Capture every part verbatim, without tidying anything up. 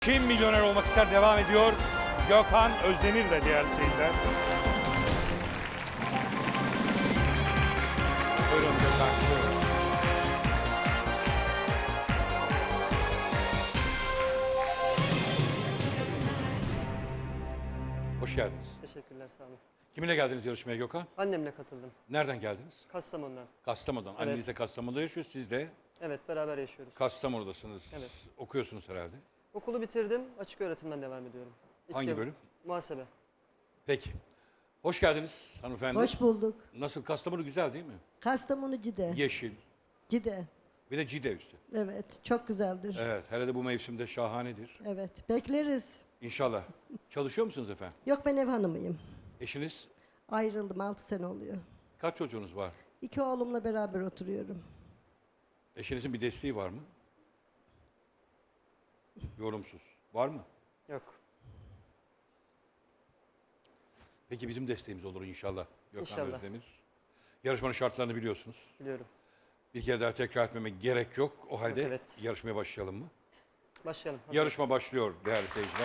Kim milyoner olmak ister devam ediyor. Gökhan Özdemir de değerli seyirciler. Buyurun Gökhan. Buyurun. Hoş geldiniz. Teşekkürler, sağ olun. Kiminle geldiniz yarışmaya Gökhan? Annemle katıldım. Nereden geldiniz? Kastamonu'dan. Kastamonu'dan. Evet. Anneniz de Kastamonu'da yaşıyor. Siz de Evet, beraber yaşıyoruz. Kastamonu'dasınız. Evet. Okuyorsunuz herhalde. Okulu bitirdim, açık öğretimden devam ediyorum. İki Hangi yıl bölüm? Muhasebe. Peki. Hoş geldiniz hanımefendi. Hoş bulduk. Nasıl? Kastamonu güzel değil mi? Kastamonu Cide. Yeşil. Cide. Bir de Cide üstü. Evet, çok güzeldir. Evet. Evet. Hele de bu mevsimde şahanedir. bekleriz. İnşallah. Çalışıyor musunuz efendim? Yok, ben ev hanımıyım. Eşiniz? Ayrıldım, altı sene oluyor. Kaç çocuğunuz var? İki oğlumla beraber oturuyorum. Eşinizin bir desteği var mı? Yorumsuz. Var mı? Yok. Peki bizim desteğimiz olur inşallah. Gökhan İnşallah. Özdemir. Yarışmanın şartlarını biliyorsunuz. Biliyorum. Bir kere daha tekrar etmemek gerek yok. O halde evet. yarışmaya başlayalım mı? Başlayalım. Hazır. Yarışma başlıyor değerli seyirciler.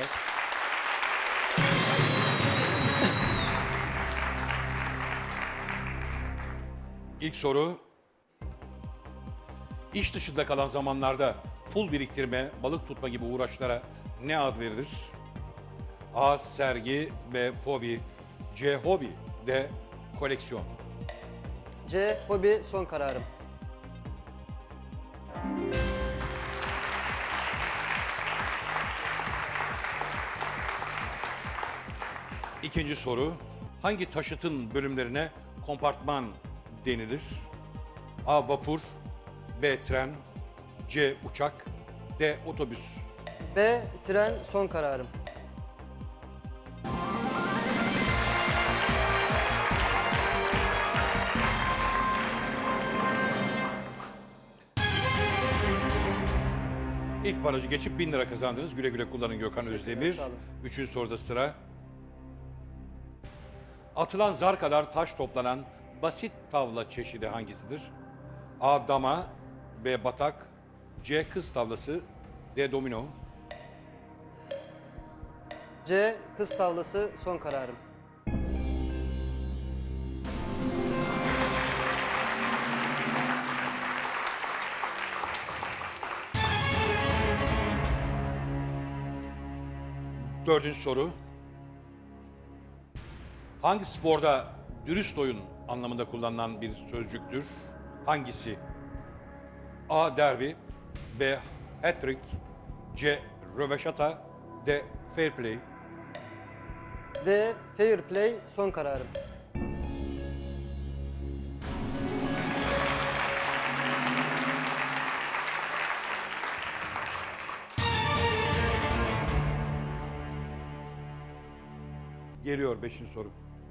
İlk soru. İş dışında kalan zamanlarda pul biriktirme, balık tutma gibi uğraşlara ne ad verilir? A. Sergi. B. Fobi. C. Hobi. D. Koleksiyon. C. Hobi son kararım. İkinci soru. Hangi taşıtın bölümlerine kompartman denilir? A. Vapur. B. Tren. C. Uçak. D. Otobüs. B. Tren son kararım. İlk barajı geçip bin lira kazandınız. Güle güle kullanın Gökhan Teşekkürler, Özdemir. sağ olun. Üçüncü soruda sıra. Atılan zar kadar taş toplanan basit tavla çeşidi hangisidir? A. Dama. B. Batak. C. Kız tavlası. D. Domino. C. Kız tavlası son kararım. Dördüncü soru. Hangi sporda dürüst oyun anlamında kullanılan bir sözcüktür? Hangisi? A. Derbi. B. Hat-trick. C. Röveşata. D. Fair play. D. Fair play son kararım. Geliyor beşinci soru.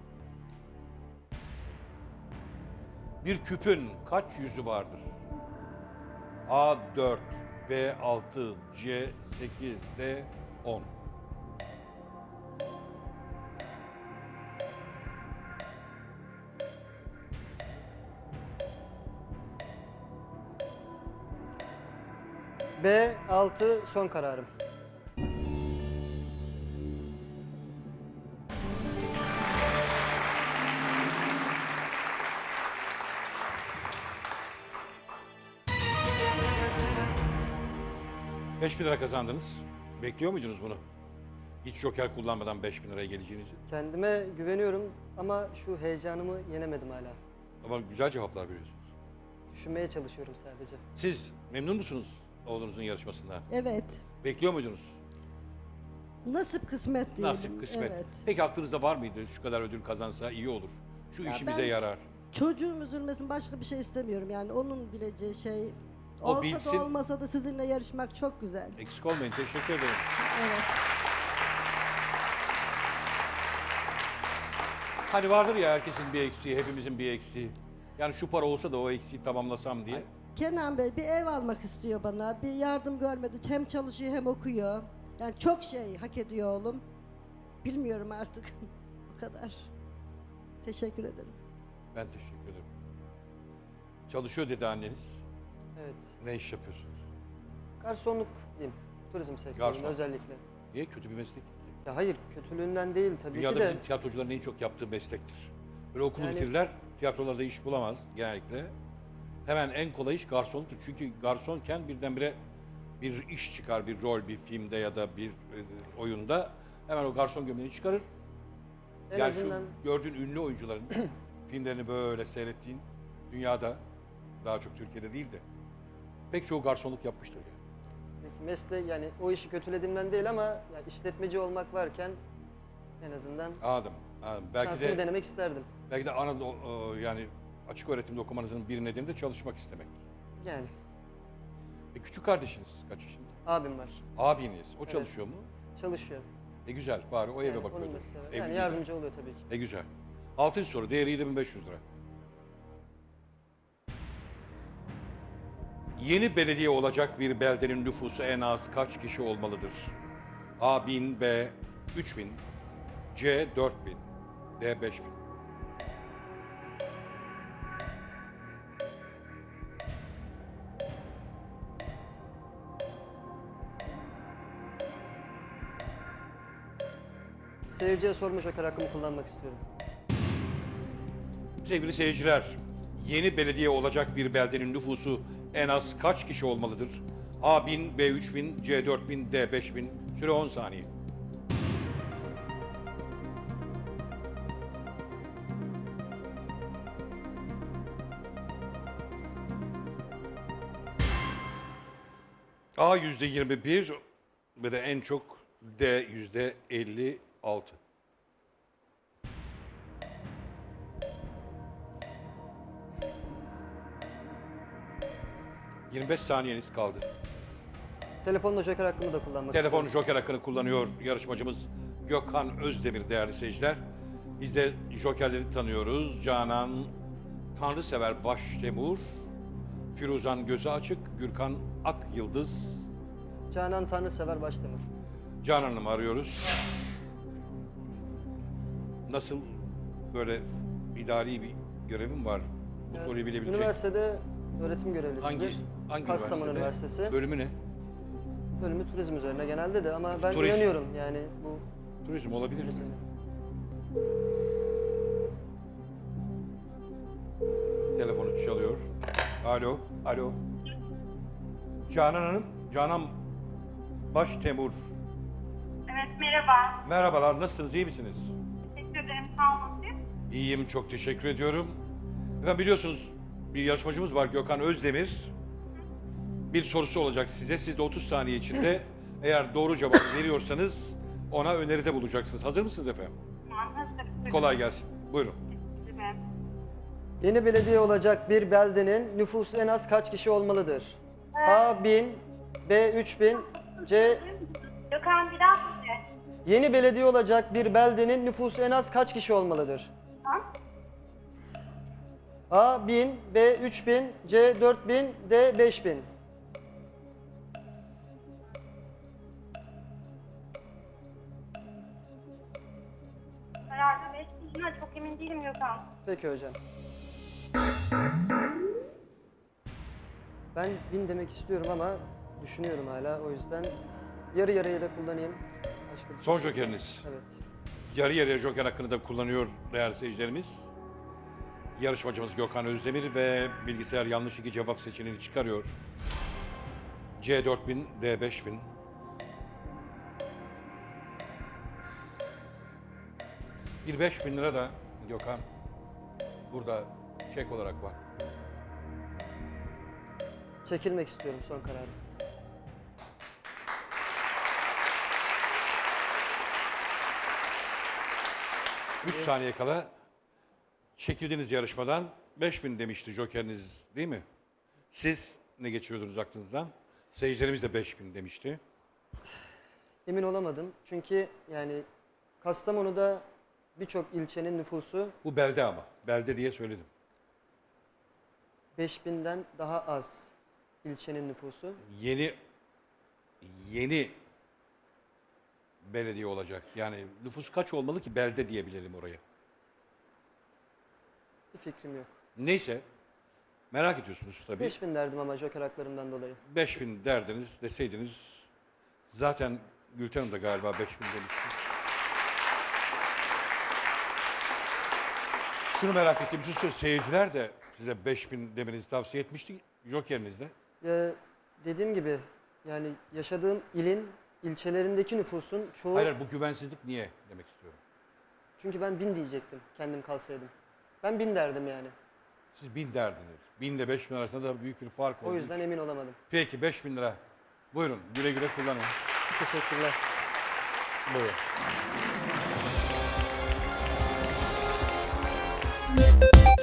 Bir küpün kaç yüzü vardır? A. dört. B. altı. C. sekiz. D. on. B. altı son kararım. beş bin lira kazandınız. Bekliyor muydunuz bunu? Hiç joker kullanmadan beş bin liraya geleceğinizi. Kendime güveniyorum ama şu heyecanımı yenemedim hala. Ama güzel cevaplar veriyorsunuz. Düşünmeye çalışıyorum sadece. Siz memnun musunuz oğlunuzun yarışmasından? Evet. Bekliyor muydunuz? Nasip kısmet diyelim. Nasip, kısmet. Evet. Peki aklınızda var mıydı? Şu kadar ödül kazansa iyi olur. Şu Ya işimize ben- yarar. Çocuğum üzülmesin, başka bir şey istemiyorum. Yani onun bileceği şey... O olsa bilsin. da olmasa da sizinle yarışmak çok güzel. Eksik olmayın. Teşekkür ederim. Evet. Hani vardır ya herkesin bir eksiği, hepimizin bir eksiği. Yani şu para olsa da o eksiği tamamlasam diye. Kenan Bey bir ev almak istiyor bana. Bir yardım görmedi. Hem çalışıyor hem okuyor. Yani çok şey hak ediyor oğlum. Bilmiyorum artık. Bu kadar. Teşekkür ederim. Ben teşekkür ederim. Çalışıyor dedi anneniz. Evet. Ne iş yapıyorsunuz? Garsonluk diyeyim. turizm sektöründe Garson. özellikle. Niye? Kötü bir meslek. Ya hayır, kötülüğünden değil tabii Dünyada ki de. bizim tiyatrocuların en çok yaptığı meslektir. Böyle okulu Yani- bitirirler, tiyatrolarda iş bulamaz genellikle. Hemen en kolay iş garsonluktur. Çünkü garsonken birdenbire bir iş çıkar, bir rol, bir filmde ya da bir e, oyunda. Hemen o garson gömleğini çıkarır. En yani azından şu gördüğün ünlü oyuncuların filmlerini böyle seyrettiğin dünyada, daha çok Türkiye'de değil de pek çoğu garsonluk yapmıştır yani. peki mesleği, yani o işi kötülediğimden değil ama yani işletmeci olmak varken en azından Anladım. anladım. Belki şansımı de denemek isterdim. belki de Anadolu e, yani açık öğretimde okumanızın bir nedeni de çalışmak istemek. Yani E, küçük kardeşiniz kaç yaşında? abim var, Abiniz. O çalışıyor mu? çalışıyor. E güzel. Bari o eve Yani bakıyordur. onun mesleği var. Evli Yani değil. yardımcı oluyor tabii ki. E güzel. Altıncı soru. Değeri yedi bin beş yüz lira. Yeni belediye olacak bir beldenin nüfusu en az kaç kişi olmalıdır? A bin, B üç bin, C dört bin, D beş bin. Seyirciye sorma joker hakkımı kullanmak istiyorum. Sevgili seyirciler, yeni belediye olacak bir beldenin nüfusu en az kaç kişi olmalıdır? A bin, B üç bin, C dört bin, D beş bin. Süre on saniye. A yüzde yirmi bir ve de en çok D yüzde elli altı. yirmi beş saniyeniz kaldı. Telefonla joker hakkımı da kullanmak Telefon istiyorum. joker hakkını kullanıyor yarışmacımız Gökhan Özdemir değerli seyirciler. Biz de jokerleri tanıyoruz. Canan Tanrısever Baştemur, Firuzan Gözü Açık, Gürkan Ak Yıldız. Canan Tanrısever Başdemir. Canan Hanım'ı arıyoruz. Nasıl böyle idari bir görevim var? Bu soruyu bilebilecek. Üniversitede öğretim görevlisidir. Hangi, hangi Kastamonu üniversitede? Üniversitesi. Bölümü ne? Bölümü turizm üzerine genelde de ama ben Turizm. inanıyorum yani bu Turizm olabilir mi? turizm. Telefonu çalıyor. Alo, alo. Canan Hanım, Canan Baştemur. Evet, merhaba. Merhabalar, nasılsınız, iyi misiniz? Teşekkür ederim, sağ olun siz. İyiyim, çok teşekkür ediyorum. Efendim biliyorsunuz bir yarışmacımız var Gökhan Özdemir. Bir sorusu olacak size. Siz de otuz saniye içinde eğer doğru cevabı veriyorsanız ona öneride bulacaksınız. Hazır mısınız efendim? Tamam, hazırım. Kolay gelsin. Buyurun. Teşekkür ederim. Yeni belediye olacak bir beldenin nüfusu en az kaç kişi olmalıdır? A bin, B üç bin, C... Gökhan bir daha söyle. Yeni belediye olacak bir beldenin nüfusu en az kaç kişi olmalıdır? Tamam. A bin, B üç bin, C dört bin, D beş bin. Herhalde beş kişi, çok emin değilim Gökhan. Peki hocam. Ben bin demek istiyorum ama düşünüyorum hala, o yüzden yarı yarıya da kullanayım. Başka bir Son şey- jokeriniz. Evet. Yarı yarıya joker hakkını da kullanıyor değerli seyircilerimiz. Yarışmacımız Gökhan Özdemir ve bilgisayar yanlış iki cevap seçeneğini çıkarıyor. C dört bin, D beş bin. Bir beş bin lira da Gökhan burada çek olarak var. Çekilmek istiyorum, son kararım. Üç saniye kala çekildiğiniz yarışmadan beş bin demişti jokeriniz değil mi? Siz ne geçiriyordunuz aklınızdan? Seyircilerimiz de beş bin demişti. Emin olamadım çünkü yani Kastamonu'da birçok ilçenin nüfusu Bu belde ama. Belde diye söyledim. beş binden daha az ilçenin nüfusu. Yeni yeni belediye olacak. Yani nüfus kaç olmalı ki belde diyebilelim oraya. Bir fikrim yok. Neyse. Merak ediyorsunuz tabii. beş bin derdim ama joker haklarımdan dolayı. beş bin derdiniz deseydiniz Zaten Gülten Hanım da galiba beş bin demişti. Şunu merak ettiğim için söyleyeyim. Seyirciler de size beş bin demenizi tavsiye etmişti. Jokerinizde. Ee, dediğim gibi yani yaşadığım ilin ilçelerindeki nüfusun çoğu... Hayır, hayır, bu güvensizlik niye demek istiyorum. Çünkü ben bin diyecektim kendim kalsaydım. Ben bin derdim yani. Siz bin derdiniz. Bin ile beş bin arasında da büyük bir fark oldu. O yüzden emin olamadım. Peki beş bin lira. Buyurun güle güle kullanın. Teşekkürler. Buyurun.